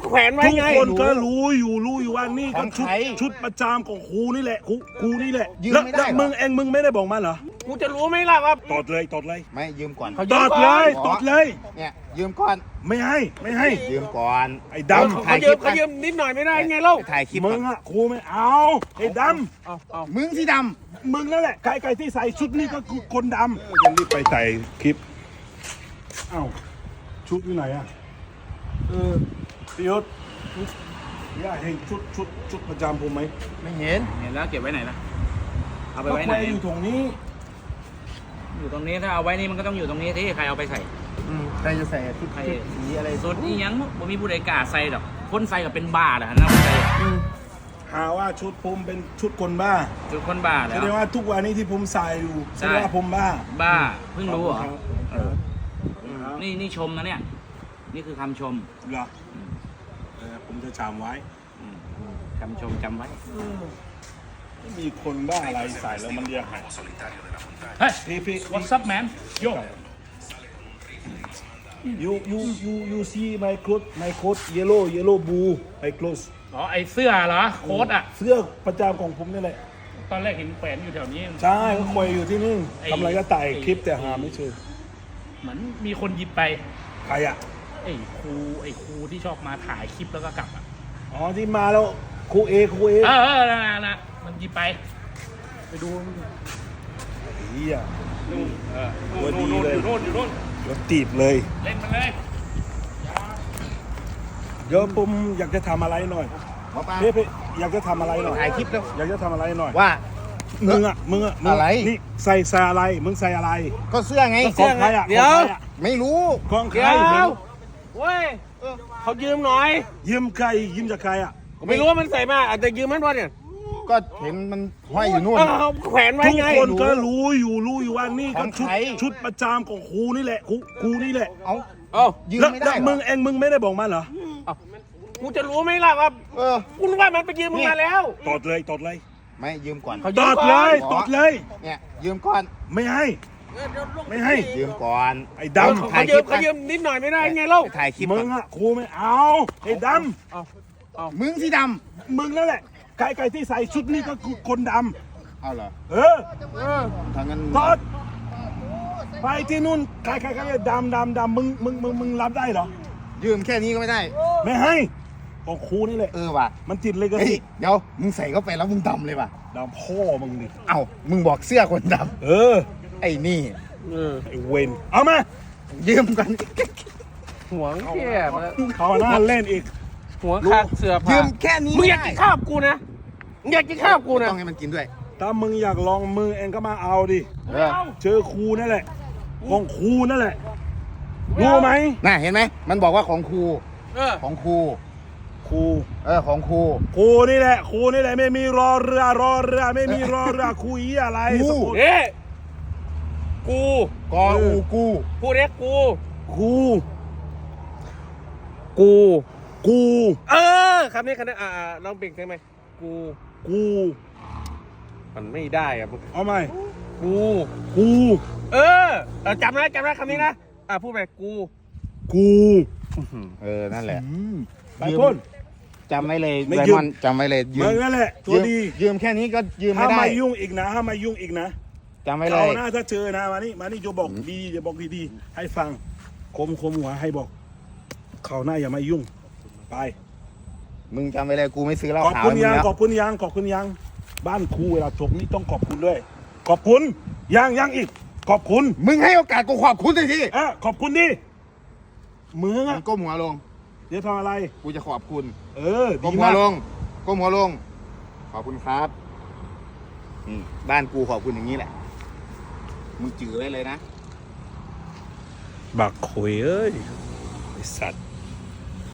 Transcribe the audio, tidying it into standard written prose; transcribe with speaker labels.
Speaker 1: แขวนไว้ไง
Speaker 2: ทุกคนก็รู้อยู่ว่านี่ก็ชุดประจำของครูนี่แหละครูนี่แหละแล้วมึงไม่ได้บอกมาเหรอ
Speaker 1: กูจะรู้ไหมล่ะครับ
Speaker 2: ตอดเลย
Speaker 3: ไม่ยืมก่อน
Speaker 2: ตอดเลย
Speaker 3: เนี่ยยืมก่อน
Speaker 2: ไม่ให้
Speaker 3: ยืมก่อน
Speaker 2: ไอ้ดำ
Speaker 1: เขายืมนิดหน่อยไม่ได้ไงเล่า
Speaker 3: ถ่ายคลิป
Speaker 2: มึงอะครูไม่เอาไอ้ด
Speaker 3: ำมึงที่ด
Speaker 2: ำมึงนั่นแหละใครที่ใส่ชุดนี้ก็คือคนดำจะรีบไปใส่คลิปเอ้าชุดอยู่ไหนอะพี่ยศอยากเห็นชุดประจำผมไหม
Speaker 3: ไม่เห็น
Speaker 4: แล้วเก็บไว้ไหนล่ะเอาไปไว้ไหน
Speaker 2: อยู่ตรงนี้
Speaker 4: ถ้าเอาไว้นี่มันก็ต้องอยู่ตรงนี้ที่ใครเอาไปใส่
Speaker 3: ใครจะใส่ชุดสีอะไร
Speaker 4: สุดนี่ยังผมมีผู้ใดกล้าใส่หรอกคนใส่กับเป็นบ้าเหรอนะใส่
Speaker 2: หาว่าชุดผมเป็นชุดคนบ้า
Speaker 4: ชุดคนบ้าแล้ว
Speaker 2: แสดงว่าทุกวันนี้ที่ผมใส่อยู่แสดงว่าผมบ้า
Speaker 4: เพิ่งรู้เหรอนี่ชมนะเนี่ยนี่คือคำชม
Speaker 2: เหรอผมจะจำไว้
Speaker 4: คำชมจำไว้
Speaker 2: มีคนบ้าอะไรใส่แล้วมันเรียกหาย
Speaker 4: เฮ้ยพี่ what's up man yo
Speaker 2: you see my coat yellow blue my clothes
Speaker 4: อ๋อไอเสื้อเหรอโค้ทอ่ะ
Speaker 2: เสื้อประจำของผมนี่แหละ
Speaker 4: ตอนแรกเห็นแขวนอยู่แถวนี้
Speaker 2: ใช่ก็ควยอยู่ที่นี่ทำอะไรก็ถ่ายคลิปแต่หาไม่เจอ
Speaker 4: เหมือนมีคนหยิบไป
Speaker 2: ใครอ่ะ
Speaker 4: ไอ้ครูที่ชอบมาถ่ายคลิปแล้วก็กลับอ่ะ
Speaker 2: อ๋อที่มาแล้วครูเอ
Speaker 4: นะมันหยิบไปดู
Speaker 2: เฮีย
Speaker 4: ตัวดีเลยอยู่โน่น
Speaker 2: รถตีบเลย
Speaker 4: เล่นมันเลย
Speaker 2: เดี๋ยวผมอยากจะทำอะไรหน่อยพี่อยากจะทำอะไรหน่อย
Speaker 3: ถ่ายคลิปแล้ว
Speaker 2: อยากจะทำอะไรหน่อย
Speaker 3: ว่า
Speaker 2: มึงอะไรนี่ใส่อะไรมึงใส่อะไร
Speaker 3: ก็เสื้อไง
Speaker 2: ของใครอ่ะ
Speaker 1: เดี๋ยว
Speaker 3: ไม่รู้
Speaker 2: ของใคร
Speaker 1: เว้ยเขายืมหน่อย
Speaker 2: ยืมใครยืมจากใครอ่ะ
Speaker 1: ไม่รู้ว่ามันใส่มาอาจจะยืมมันวะเนี่ย
Speaker 3: ก็เห็นมันห้อยอยู่นู่น
Speaker 1: เขาแขวนไว้ไง
Speaker 2: ทุกคนก็รู้อยู่ว่านี่ก็ชุดประจำของครูนี่แหละครูนี่แหละ
Speaker 3: ยืมไม่ได้
Speaker 2: มึงไม่ได้บอกมาเหรอ
Speaker 1: กูจะรู้ไหมล่ะครับกูรู้ว่ามันไปยืมมึงมาแล้ว
Speaker 2: ตอดเลย
Speaker 3: ไม่ยืมก่อน
Speaker 2: ตอดเลย
Speaker 3: เนี่ยยืมก่อน
Speaker 2: ไม่ให้
Speaker 3: ยืมก่อน
Speaker 2: ไอ้ดำ
Speaker 1: เขายืมนิดหน่อยไม่ได้ไงเล่า
Speaker 3: ถ่ายคลิป
Speaker 2: มึงอะครูไม่เอาไอ้ด
Speaker 3: ำมึงที่ด
Speaker 2: ำมึงนั่นแหละใครที่ใส่ชุดนี้ก็คือคนด
Speaker 3: ำเอาเหรอ
Speaker 2: ทางนั้นตอดไปที่นู่นใครดำมึงรับได้เหรอ
Speaker 3: ยืมแค่นี้ก็ไม่ได้
Speaker 2: ไม่ให้ของครูนี่แหละ
Speaker 3: ว่ะ
Speaker 2: มันติดเลยก็สิ
Speaker 3: เดี๋ยวมึงใส่เข้าไปแล้วมึงดำเลยว่ะ
Speaker 2: ดำพ่อมึงดิ
Speaker 3: มึงบอกเสื้อคนดำไอ้นี่
Speaker 2: ไอ้เวนเอามา
Speaker 3: ยืมกัน
Speaker 1: หัวแค่
Speaker 2: เขาหน้าเล่นอีก
Speaker 1: หัวขาดเสื้อผ้า
Speaker 3: ยืมแค่นี้
Speaker 1: มึงอยากกินข้าวกูนะอยากกินข้าวกูนะ
Speaker 3: ต้องให้มันกินด้วย
Speaker 2: ถ้ามึงอยากลองมือเองก็มาเอาดิเจอครูนั่นแหละของครูนั่นแหละรู้ไหม
Speaker 3: น่ะเห็นไหมมันบอกว่าของครูของครูของครู
Speaker 2: นี่แหละไม่มีรอเรือไม่มีรอเรือคุยอะไร
Speaker 1: กูพูดเรียกกูคำนี้ลองเปลี่ยนได้ไหม
Speaker 2: กู
Speaker 1: มันไม่ได้อะ
Speaker 2: เอาไหม
Speaker 1: กูจำได้คำนี้นะพูดไปกู
Speaker 3: นั่นแหละ
Speaker 2: ไปพ่น
Speaker 3: จำไว้เลยไดมอนด์จำไว้เลย
Speaker 2: ยืมนั่นแหละตัวดี
Speaker 3: ยืมแค่นี้ก็ยืมไม่ได้
Speaker 2: ห้ามมายุ่งอีกนะ
Speaker 3: จำไว้เลย
Speaker 2: หน้าถ้าเจอนะมานี่จะบอกดีให้ฟังคมหัวให้บอกเขาหน้าอย่ามายุ่งไป
Speaker 3: มึงจำไว้เลยกูไม่ซื้อเหล้าขาว
Speaker 2: ขอบคุณยังบ้านครูเวลาจบนี่ต้องขอบคุณด้วยขอบคุณยังอีกขอบคุณ
Speaker 3: มึงให้โอกาสกูขอบคุณหน่อยที
Speaker 2: ขอบคุณดิมึง
Speaker 3: ก้มหัวลง
Speaker 2: เดี๋ยวทำอะไร
Speaker 3: กูจะขอบคุณ
Speaker 2: ก้
Speaker 3: มหัวลงขอบคุณครับบ้านกูขอบคุณอย่างนี้แหละมึงจื้อไว้เลยนะ
Speaker 2: บักคุยเอ้ยไอ้สัตว์